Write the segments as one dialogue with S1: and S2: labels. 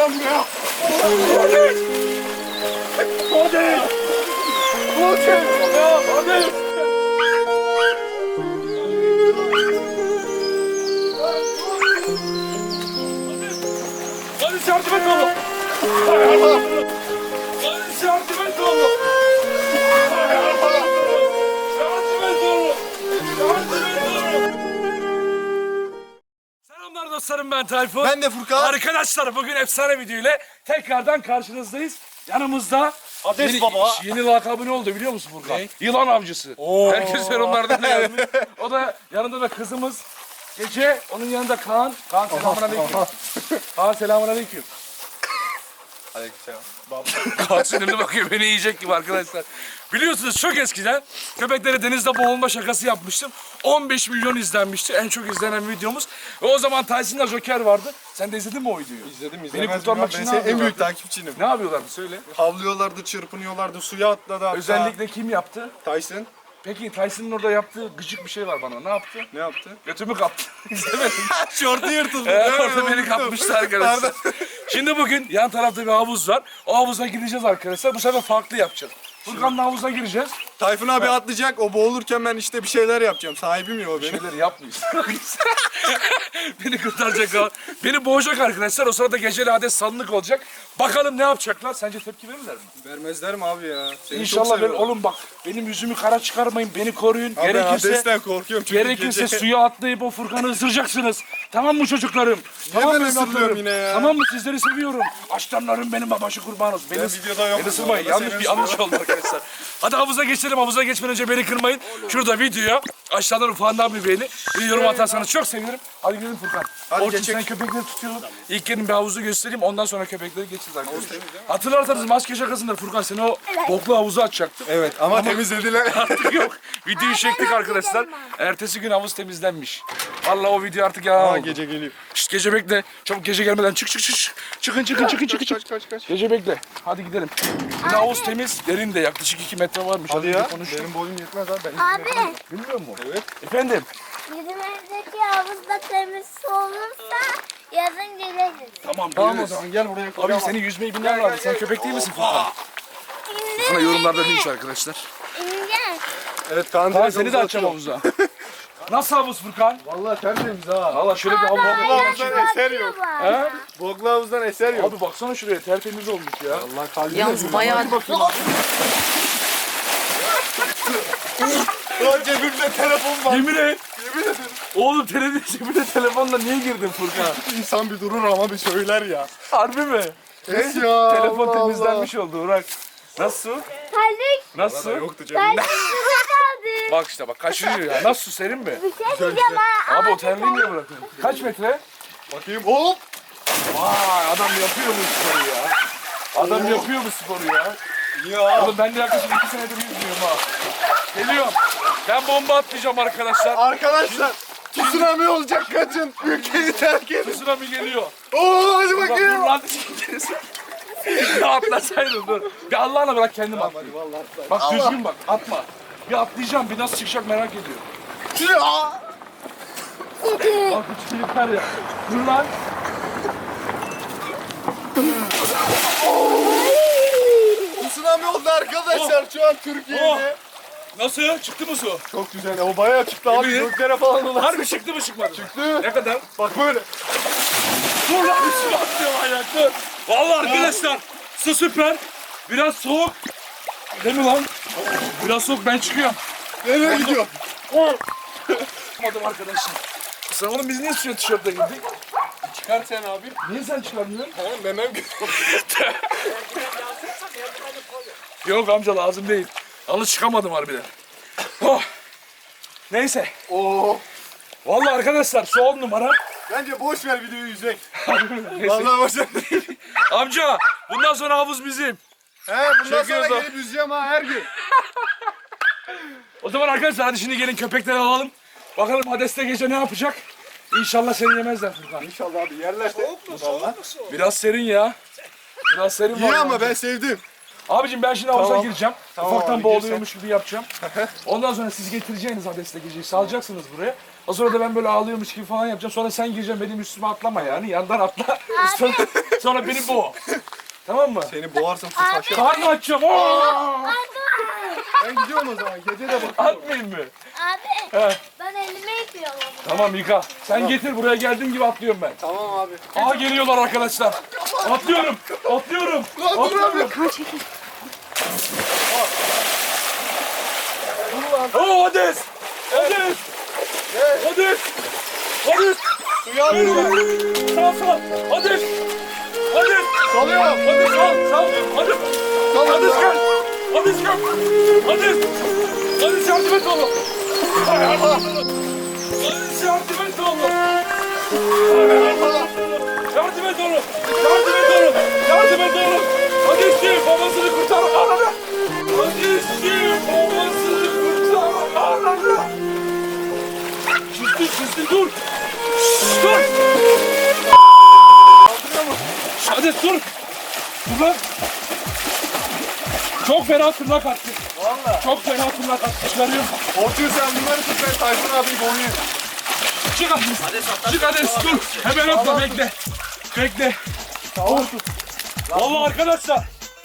S1: lan buraya. Hadi. Hadi. Hadi. Hadi yardım et oğlum. Hadi yardım et oğlum. Selamlar dostlarım, ben Tayfun.
S2: Ben de Furkan.
S1: Arkadaşlar bugün efsane video ile tekrardan karşınızdayız. Yanımızda
S2: Hades Baba.
S1: Yeni lakabı ne oldu biliyor musun Furkan?
S2: Ne?
S1: Yılan avcısı.
S2: Oo.
S1: Herkes yorumlarda ne yazmış. O da yanında da kızımız Gece, onun yanında Kaan. Kaan selamünaleyküm. Kaan selamünaleyküm.
S2: Aleykümselam.
S1: Kaan sinirli bakıyor, beni yiyecek gibi arkadaşlar. Biliyorsunuz çok eskiden köpeklere denizde boğulma şakası yapmıştım. 15 milyon izlenmişti. En çok izlenen videomuz. Ve o zaman Tyson'la Joker vardı. Sen de izledin mi o videoyu?
S2: İzledim.
S1: Beni kurtarmak için
S2: Ben
S1: ne
S2: senin en büyük
S1: yapıyorlardı?
S2: takipçinim.
S1: Ne yapıyorlardı söyle.
S2: Havlıyorlardı, çırpınıyorlardı, suya atladı hatta.
S1: Özellikle kim yaptı?
S2: Tyson
S1: Peki Tyson'ın orada yaptığı gıcık bir şey var bana. Ne yaptı?
S2: ne yaptı?
S1: Götümü kaptı. İzlemedim.
S2: Şortu yırtıldı.
S1: Orada beni kapmıştı arkadaşlar. Şimdi bugün yan tarafta bir havuz var. O havuza gireceğiz arkadaşlar. Bu sefer farklı yapacağız. Furkan'la havuza gireceğiz.
S2: Tayfun abi atlayacak, o boğulurken ben işte bir şeyler yapacağım. Sahibim ya o benim.
S1: Şeyleri yapmayız. Beni kurtaracak o. Beni boğacak arkadaşlar. O sırada geceli Hades salınık olacak. Bakalım ne yapacaklar? Sence tepki verirler mi?
S2: Vermezler mi abi ya? Seni
S1: İnşallah
S2: çok
S1: verir.
S2: seviyorum.
S1: Oğlum bak, benim yüzümü kara çıkarmayın. Beni koruyun.
S2: Abi ben
S1: Gerekirse
S2: Hades'ten korkuyorum çünkü
S1: Gerekirse suya atlayıp o Furkan'ı ısıracaksınız. Tamam mı çocuklarım? Tamam
S2: ben
S1: mı
S2: ısırıyorum
S1: evlatlarım?
S2: yine ya?
S1: Tamam mı? Sizleri seviyorum. Aslanlarım benim, babaşı kurban olsun.
S2: Ben videoda yokum
S1: Beni ısırmayın.
S2: bu arada,
S1: Yanlış
S2: seni
S1: bir yanlış oldu arkadaşlar. Hadi havuza geçelim. Havuza geçmeden önce beni kırmayın. Şurada videoya aşağıdan ufağından bir beğeni. Bir yorum atarsanız çok sevinirim. Hadi gidelim Furkan.
S2: Hadi
S1: Orçun
S2: geçek.
S1: sen köpekleri tutuyorsun. İlk gelin bir havuzu göstereyim. Ondan sonra köpekleri geçeceğiz arkadaşlar. Hatırlarsanız maske şakasında Furkan seni o boklu havuza atacaktım.
S2: Evet ama temizlediler.
S1: Artık yok. Videoyu çektik arkadaşlar. Ertesi gün havuz temizlenmiş. Vallahi o video artık yalan
S2: Aa
S1: oldu.
S2: gece geliyor.
S1: Şşt, gece bekle. Çabuk gece gelmeden çık. Çıkın.
S2: Kaç.
S1: Gece bekle. Hadi gidelim. Yine havuz temiz. Derin de yaklaşık 2 metre varmış.
S2: Hadi ya.
S1: Konuştum.
S2: Benim boyum yetmez abi. Ben
S3: Abi,
S1: Bilmiyor musun?
S2: Evet.
S1: Efendim?
S3: bizim evdeki havuzda temiz su olursa yazın geliriz.
S1: Tamam.
S2: Tamam o
S1: geliriz.
S2: zaman gel buraya.
S1: Abi senin yüzmeyi bilmen lazım. Sen köpek değil misin Furkan? Bana yorumlarda demiş arkadaşlar.
S3: İnce.
S2: Evet Kaan
S1: Kaan
S2: direkt
S1: seni de
S2: havuza
S1: açacağım
S2: atıyor.
S1: havuza. Nasıl havuz Furkan?
S2: Vallahi tertemiz ha.
S1: Valla şöyle bir havuz.
S2: Havuzdan eser yok.
S1: He?
S2: Boklu havuzdan eser yok.
S1: Abi baksana şuraya, tertemiz olmuş ya.
S2: Allah kalbine.
S4: Yalnız bayağı
S2: Lan cebimde telefon var.
S1: Yemin et. Oğlum cebine telefonla niye girdin Furkan?
S2: İnsan bir durur ama bir söyler ya.
S1: Harbi mi?
S2: Evet ya.
S1: Telefon
S2: Allah
S1: temizlenmiş oldu Urak. Nasıl?
S3: Terlik.
S1: Nasıl?
S2: Allah. Yoktu cebimde.
S3: Terlik suda kaldı.
S1: Bak işte bak kaşınıyor ya. Nasıl su, serin mi?
S3: Bir şey diyeceğim ha.
S1: Abi o terliği niye bırakıyorsun? Kaç metre?
S2: Bakayım hop.
S1: Vay adam yapıyor bu sporu ya. Adam yapıyor bu sporu ya.
S2: Ya.
S1: Oğlum ben de yaklaşık 2 senedir yüzmüyorum ha. Geliyorum. Ben bomba atlayacağım arkadaşlar.
S2: Arkadaşlar tsunami olacak kaçın. Ülkeyi terk edin.
S1: Tsunami geliyor.
S2: Oo hadi
S1: Bak dur
S2: bakayım.
S1: lan. Ya atlasaydın dur. Bir Allah'ına bırak kendim at.
S2: Hadi vallahi.
S1: Bak düzgün bak atma. Bir atlayacağım, bir nasıl çıkacak merak ediyorum.
S2: Ya.
S1: Bak hiç yeter ya. Dur lan.
S2: Tsunami oldu arkadaşlar şu an Türkiye'de.
S1: Nasıl? Çıktı mı su?
S2: Çok güzel. O bayağı çıktı abi.
S1: Yemin et.
S2: Göklere falan dolaştı.
S1: Harbi çıktı mı çıkmadı mı?
S2: Çıktı.
S1: Ne kadar?
S2: Bak böyle.
S1: Dur lan üstüme atlıyor manyak dur. Vallahi arkadaşlar su süper. Biraz soğuk. Değil mi lan? Biraz soğuk, ben çıkıyorum.
S2: Nereye gidiyor?
S1: Çıkmadım arkadaşlar. Sen oğlum biz niye suya tişörtle girdik?
S2: Çıkar sen abi.
S1: Niye sen çıkarmıyorsun?
S2: Ha, memem
S1: Yok amca lazım değil. Yalnız çıkamadım harbiden. Oh. Neyse.
S2: Oo.
S1: Vallahi arkadaşlar su 10 numara.
S2: Bence boş ver videoyu yüzek.
S1: Neyse.
S2: Vallahi boş ver.
S1: Amca bundan sonra havuz bizim.
S2: He bundan
S1: Çekiyoruz
S2: sonra
S1: o.
S2: gelip yüzeceğim ha her gün.
S1: O zaman arkadaşlar hadi şimdi gelin köpekleri alalım. Bakalım Hades'te gece ne yapacak? İnşallah seni yemezler Furkan.
S2: İnşallah abi yerlerse. Vallahi.
S1: Biraz serin ya. Biraz serin var.
S2: İyi
S1: ya.
S2: ama ben sevdim.
S1: Abicim ben şimdi havuza
S2: Tamam.
S1: gireceğim.
S2: Tamam
S1: Ufaktan
S2: abi,
S1: boğuluyormuş gibi yapacağım. Ondan sonra siz getireceğiniz Hades'te geceyi salacaksınız buraya. O sonra da ben böyle ağlıyormuş gibi falan yapacağım. Sonra sen gireceksin benim üstüme atlama yani. Yandan atla. Sonra beni boğ. Tamam mı?
S2: Seni boğarsam su taşar.
S1: Karnı açacağım. Oo!
S2: Ben gidiyorum o zaman. Gece de bakıyorum.
S1: Atmayayım mı?
S3: Abi
S1: He.
S3: ben elimi yıkıyorum ama.
S1: Tamam yıka. Sen getir buraya geldiğin gibi atlıyorum ben.
S2: Tamam abi.
S1: Aa geliyorlar arkadaşlar. Atlıyorum. Atlıyorum. Atlıyorum. Oo Hades. Hades. Hades. Hades.
S2: Suya alıyorum.
S1: Sal sal. Hades. Hades.
S2: Salıyorum.
S1: Hades sal sal. Hades. Hades gel. Hades gel. Hades. Hades yardım et oğlum. Hades yardım et oğlum. Yardım et oğlum. Yardım et oğlum. Yardım et oğlum. Hades'ciğim babasını kurtar. Ananı. Hades'ciğim babasını kurtar. Ananı. Çizdi dur. Şşş, dur. Hades dur. Dur lan. Çok fena tırnak attı.
S2: Valla.
S1: Çok fena tırnak attı. Çıkarıyorum.
S2: Orçun sen bunları tut ben Tayfun abiyi boğayım.
S1: Çık Hades. Çık Hades dur. Hemen atla bekle. Bekle.
S2: Tamam tut.
S1: Vallahi arkadaşlar.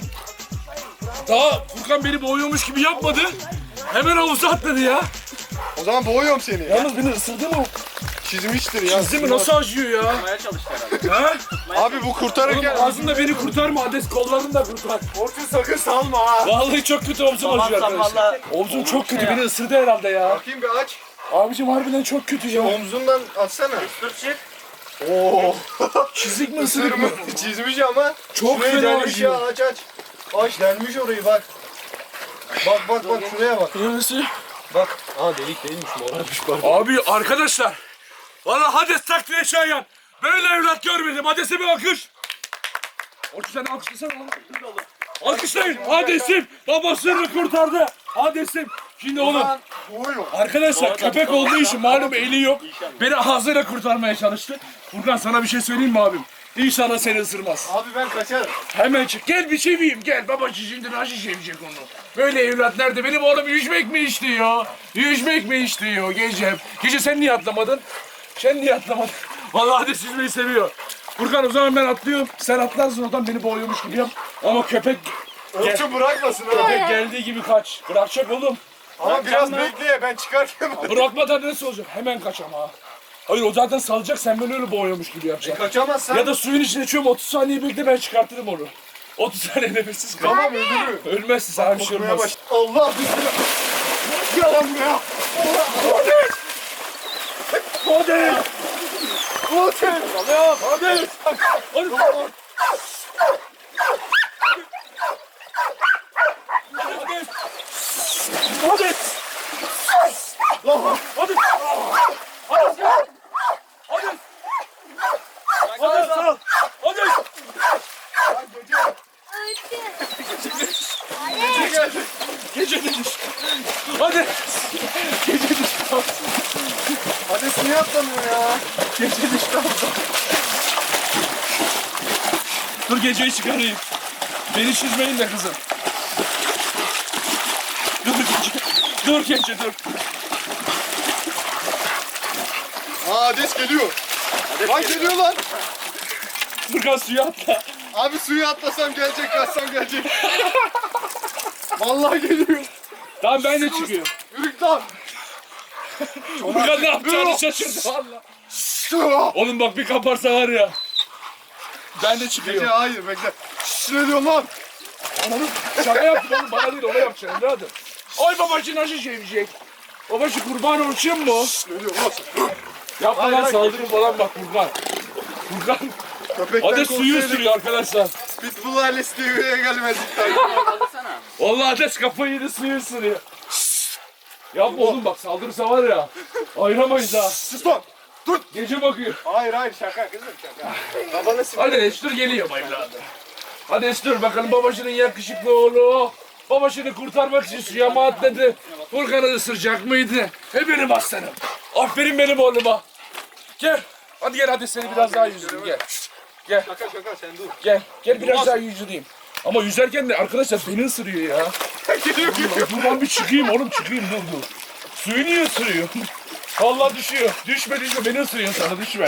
S1: Daha Furkan beni boğuyormuş gibi yapmadı. Hemen havuza atladı ya.
S2: O zaman boğuyorum seni.
S1: Yalnız beni ısırdı mı?
S2: Çizmiştir ya.
S1: Çizdi mi? Nasıl acıyor ya? Ha?
S2: Abi bu kurtarırken...
S1: Oğlum ağzında beni kurtarma Hades, kollarını da kurtar.
S2: Orçun sakın salma ha.
S1: Vallahi çok kötü omzum acıyor arkadaşlar. Omzum çok kötü, beni ısırdı herhalde ya.
S2: Bakayım bir aç.
S1: Abicim harbiden çok kötü ya.
S2: Omzundan atsana. Oo.
S1: Çizik mi ısırık mı?
S2: Çizmiş ama.
S1: Çok
S2: Şurayı
S1: fena
S2: delmiş ya
S1: acıyor.
S2: aç aç. Aç delmiş orayı bak. Bak şuraya bak.
S1: Neresi?
S2: Bak. Aa delik değilmiş morarmış pardon.
S1: Abi arkadaşlar. Valla Hades takdire şayan. Böyle evlat görmedim. Hades'e bir alkış. Orçun sen alkışlasana oğlum. Alkışlayın. Hades'im babasını kurtardı. Hades'im. Şimdi oğlum.
S2: Boğuyorum.
S1: Arkadaşlar köpek olduğu için malum eli yok. Beni ağzıyla kurtarmaya çalıştı. Furkan sana bir şey söyleyeyim mi abim? İnşallah seni ısırmaz.
S2: Abi ben kaçarım.
S1: Hemen çık. Gel bir çeviyim gel. Babacı şimdi nasıl çevirecek onu? Böyle evlat nerede? Benim oğlum yüzmek mi istiyor? Yüzmek mi istiyor gecem? Gece sen niye atlamadın? Sen niye atlamadın? Vallahi Hades yüzmeyi seviyor. Furkan o zaman ben atlıyorum. Sen atlarsın oradan beni boğuyormuş gibi yap. Ama köpek
S2: Orçun bırakmasın ha.
S1: geldiği gibi kaç. Bırakacak oğlum.
S2: Ama biraz bekle ben çıkarken.
S1: Bırakmadan nasıl olacak? Hemen kaç ama. Hayır o zaten salacak, sen böyle öyle boğuyormuş gibi yapacaksın.
S2: Kaçamazsan.
S1: Ya da suyun içine çöm 30 saniye bekle, ben çıkartırım onu. 30 saniye nefessiz kal.
S2: Tamam öldürürüm.
S1: Ölmezsin, sana bir şey
S2: Kokmaya
S1: olmaz.
S2: baş. Allah bismillah. Gel lan buraya.
S1: Hades! Hades!
S2: Orçun.
S1: Allah'ım Hades! Hadi! Hades! Hades!
S2: Lan.
S1: Hades! Hades gel! Hades! Hades sal! Hades!
S2: Gece geldi.
S1: Gece de düştü. Hadi! Gece düştü.
S2: Hades niye atlamıyor ya?
S1: Gece düştü. Dur geceyi çıkarayım. Beni çizmeyin de kızım. Dur gece. Dur gece dur.
S2: Aa Hades geliyor. Lan geliyor lan.
S1: Furkan suya atla.
S2: Abi suya atlasam gelecek, kaçsam gelecek. Vallahi geliyor.
S1: Tamam ben de çıkıyorum.
S2: Yürü lan.
S1: Furkan ne yapacağını şaşırdı valla. Oğlum bak bir kaparsa var ya. Ben de
S2: Gece
S1: çıkıyorum.
S2: hayır bekle. Ne diyorsun lan?
S1: Ananı şaka yaptım oğlum, bana değil ona yapacaksın evladım. Ay babacı nasıl sevecek? Babacı kurban olsun mu?
S2: Ne diyorsun lan?
S1: Yapma
S2: Hayır,
S1: lan,
S2: hayır.
S1: saldırı falan bak Furkan. Furkan.
S2: Köpekten
S1: Hades suyu ısırıyor arkadaşlar.
S2: Pitbull ailesi diye buraya gelmezdik.
S1: Vallahi Hades kafayı yedi, suyu ısırıyor. Yapma oğlum bak, saldırırsa var ya. Ayıramayız ha.
S2: Sus lan. Dur.
S1: Gece bakıyor.
S2: Hayır şaka kızım şaka. Babanı sinir.
S1: Hadi Estur geliyor evladım. Hadi Estur bakalım babacının yakışıklı oğlu. Babacını kurtarmak için suya mı atladı? Furkan'ı ısıracak mıydı? Benim aslanım. Aferin benim oğluma. Gel. Hadi gel hadi seni biraz daha yüzeyim gel. Gel.
S2: Şaka sen dur.
S1: Gel. Gel biraz daha yüzeyim. Ama yüzerken de arkadaşlar beni ısırıyor ya.
S2: Geliyor.
S1: Buradan bir çıkayım oğlum, çıkayım dur. Suyu niye ısırıyor? Vallahi düşüyor. Düşme düşme. Beni ısırıyor sana düşme.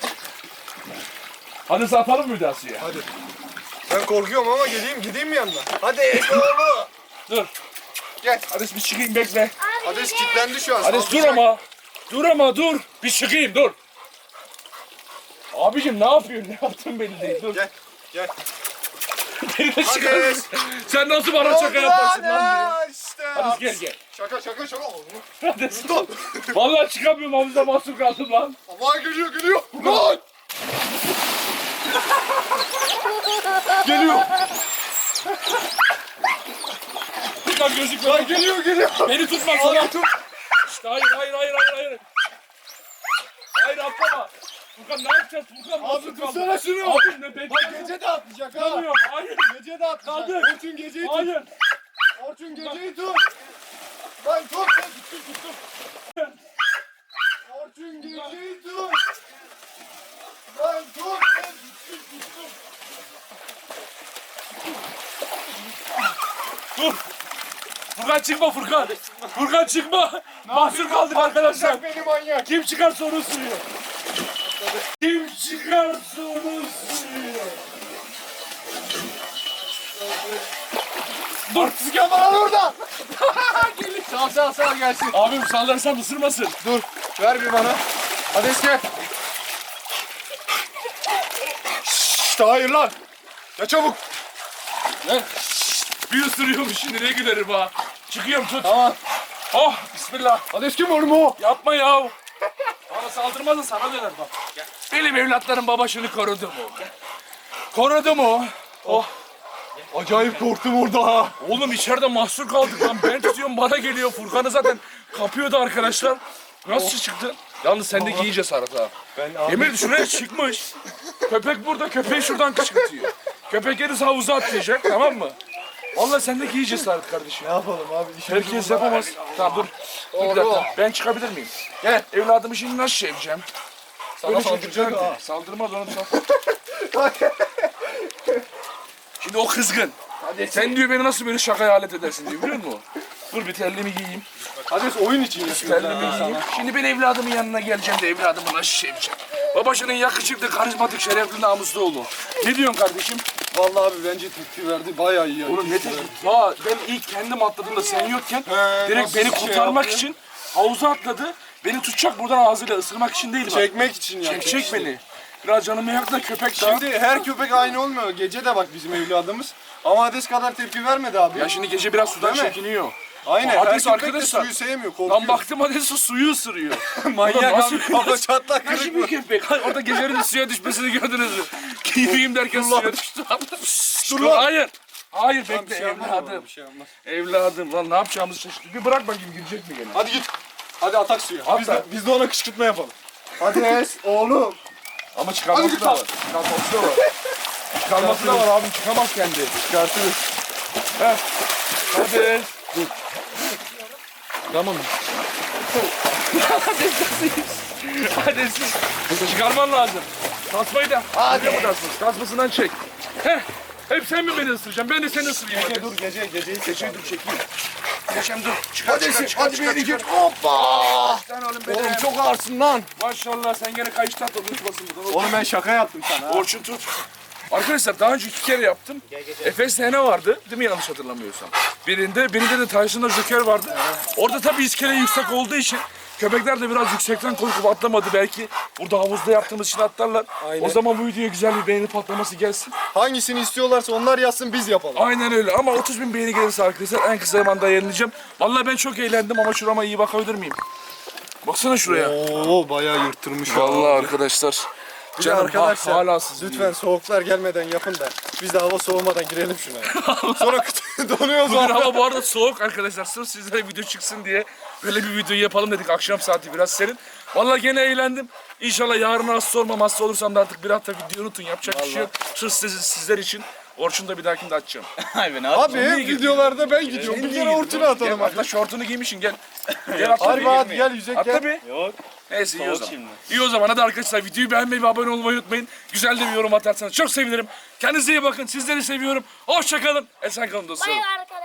S1: Hadi satalım mı Hüdasya'ya?
S2: Hadi. Ben korkuyorum ama gideyim mi yanına? Hadi oğlum.
S1: Dur.
S2: Gel.
S1: Hadi bir çıkayım bekle.
S2: Hades kilitlendi şu an.
S1: Hadi dur
S2: saldıracak.
S1: ama. Dur ama dur. Bir çıkayım dur. Abicim ne yapıyorsun? Ne yaptın belli değil. Dur.
S2: Gel. Gel.
S1: Beni de
S2: Hadi.
S1: çıkarırsın. Sen nasıl bana şaka yaparsın lan diye.
S2: İşte.
S1: Hadi gel gel.
S2: Şaka.
S1: Hadi. Vallahi çıkamıyorum havuzda mahsur kaldım lan.
S2: Ama geliyor. Lan. Geliyor.
S1: Furkan gözükme.
S2: Lan geliyor.
S1: Beni tutma sana. İşte hayır. Hayır atlama. Furkan ne yapacağız? Furkan
S2: Abi
S1: mahsur kaldım.
S2: tutsana şunu.
S1: Abi ne bekliyorsun?
S2: Bak gece de atlayacak ha.
S1: Tutamıyorum. Hayır.
S2: Gece de atlayacak.
S1: Kaldır.
S2: Orçun geceyi tut.
S1: Hayır.
S2: Orçun geceyi tut. Lan tut. Tuttum. Orçun geceyi tut. Lan tut. Tuttum.
S1: Dur. Furkan çıkma Furkan. Furkan çıkma. Mahsur kaldık arkadaşlar.
S2: Beni manyak.
S1: Kim çıkarsa onu ısırıyor. Kim çıkarsa onu ısırıyor. Dur.
S2: Sıkı bana orada. Sağ gelsin.
S1: Abim sallarsam ısırmasın.
S2: Dur. Ver bir bana. Hades gel. Şşşt hayır lan. Ya çabuk.
S1: Ne? Bir ısırıyormuş şimdi ne gülerim ha. Çıkıyorum tut.
S2: Tamam.
S1: Oh bismillah.
S2: Hades kim oğlum o?
S1: Yapma ya. Bana saldırmaz da sana döner bak. Gel. Benim evlatlarım babasını korudu mu? Korudu mu? Oh.
S2: Acayip korktum orada ha.
S1: Oğlum içeride mahsur kaldık lan. Ben tutuyorum bana geliyor. Furkan'ı zaten kapıyordu arkadaşlar. Nasıl çıktı? Yalnız sendeki iyi cesaret ha.
S2: Ben
S1: Emir şuraya çıkmış. Köpek burada, köpeği şuradan kışkırtıyor. Köpek gelirse havuza atlayacak, tamam mı? Vallahi sendeki iyi cesaret kardeşim.
S2: ne yapalım abi?
S1: Herkes yapamaz. Tamam dur. Dur bir dakika. Ben çıkabilir miyim? Gel. Evladımı şimdi nasıl seveceğim?
S2: Sana
S1: Böyle
S2: saldıracak
S1: çocuklar
S2: ha.
S1: değil. Saldırmaz onu Şimdi o kızgın. Sen diyor beni nasıl böyle şakaya alet edersin diyor biliyor musun? Dur bir terliğimi giyeyim.
S2: Hades oyun için yapıyor.
S1: Terliğimi giyeyim. Şimdi ben evladımın yanına geleceğim de evladımı nasıl seveceğim? Babasının yakışıklı, karizmatik, şerefli, namuslu oğlu. Ne diyorsun kardeşim?
S2: Vallahi abi bence tepki verdi. Bayağı iyi ya.
S1: Oğlum ne teklif? Ya ben ilk kendim atladığımda sen yokken direkt
S2: nasıl
S1: beni
S2: şey
S1: kurtarmak
S2: yaptı?
S1: için havuza atladı. Beni tutacak buradan ağzıyla ısırmak için değil bak.
S2: Çekmek için ya.
S1: Çek beni. Biraz canımı yak da köpek daha.
S2: Şimdi her köpek aynı olmuyor. Gece de bak bizim evladımız. Ama Hades kadar tepki vermedi abi.
S1: Ya şimdi gece biraz sudan
S2: Değil mi?
S1: çekiniyor.
S2: Aynen. Her
S1: Hades
S2: köpek de
S1: arkadaşlar.
S2: suyu sevmiyor. Korkuyor.
S1: Lan baktım hadi suyu ısırıyor.
S2: Manyak
S1: Ulan nasıl-
S2: abi. Kafa çatlak
S1: Nasıl
S2: kırık
S1: bir
S2: mı?
S1: köpek? Orada gecenin suya düşmesini gördünüz mü? Keyfiyim derken
S2: Dur lan.
S1: suya düştü.
S2: Dur lan.
S1: Hayır. Hayır
S2: Tamam, bir
S1: bekle
S2: şey yapmaz
S1: evladım.
S2: oğlum, bir şey yapmaz.
S1: Evladım lan ne yapacağımızı şaşırdık. Bir bırak bakayım girecek mi gene?
S2: Hadi git. Hadi atak suya.
S1: Atla.
S2: Biz de ona kışkırtma yapalım. Hades oğlum.
S1: Ama
S2: Hadi
S1: çıkarması
S2: git
S1: da
S2: lan.
S1: var. Çıkarması da var. Çıkarması da var abim çıkamaz kendi.
S2: Çıkartırız.
S1: Heh. Hadi. Dur. Tamam. Hadi siz. Çıkarman lazım. Tasmayı da. Hadi. Tasmasından çek. Heh. Hep sen mi beni ısıracaksın? Ben de seni ısırayım.
S2: Gece
S1: hadi.
S2: dur geceyi
S1: Geceyi dur çekeyim. Geçem dur. Çıkar
S2: Hadi
S1: çıkar
S2: sen,
S1: çıkar
S2: hadi
S1: çıkar
S2: beni
S1: çıkar.
S2: git. Hoppa.
S1: Lan oğlum benim.
S2: Oğlum çok ağırsın lan.
S1: Maşallah sen gene kayıştan da unutmasın buradan.
S2: Oğlum ben şaka yaptım sana.
S1: Orçun tut. Arkadaşlar daha önce 2 kere yaptım. Efes Hene vardı değil mi yanlış hatırlamıyorsam. Birinde de Tyson'da Joker vardı. Orada tabii iskele yüksek olduğu için köpekler de biraz yüksekten korkup atlamadı belki. Burada havuzda yaptığımız için atlarlar.
S2: Aynen.
S1: O zaman bu videoya güzel bir beğeni patlaması gelsin.
S2: Hangisini istiyorlarsa onlar yazsın biz yapalım.
S1: Aynen öyle ama 30.000 beğeni gelirse arkadaşlar en kısa zamanda yayınlayacağım. Vallahi ben çok eğlendim ama şurama iyi bakabilir miyim? Baksana şuraya.
S2: Oo bayağı yırttırmış.
S1: Vallahi arkadaşlar.
S2: Bir de
S1: Canım
S2: arkadaşlar
S1: hala sızlıyor.
S2: lütfen soğuklar gelmeden yapın da biz de hava soğumadan girelim şuna. Sonra donuyoruz
S1: Bugün
S2: abi.
S1: hava bu arada soğuk arkadaşlar. Sırf sizlere video çıksın diye böyle bir video yapalım dedik. Akşam saati biraz serin. Vallahi gene eğlendim. İnşallah yarın hasta olmam. Hasta olursam da artık bir hafta video unutun. Yapacak bir şey yok. Sırf sizler için. Orçun da bir dahakinde açacağım.
S2: Abi hep videolarda ben gidiyorum. Bir kere ortuna atalım
S1: Gel
S2: hadi.
S1: atla şortunu giymişsin gel. Gel atla
S2: Harbi
S1: bir.
S2: hadi gel yüzek
S1: Atla
S2: gel.
S1: bir.
S4: Yok.
S1: Neyse iyi o
S4: Soğuk
S1: zaman.
S4: şimdi.
S1: İyi o zaman hadi arkadaşlar videoyu beğenmeyi ve abone olmayı unutmayın. Güzel de bir yorum atarsanız çok sevinirim. Kendinize iyi bakın. Sizleri seviyorum. Hoşça kalın. Esen kalın dostlarım.
S3: Bay arkadaşlar.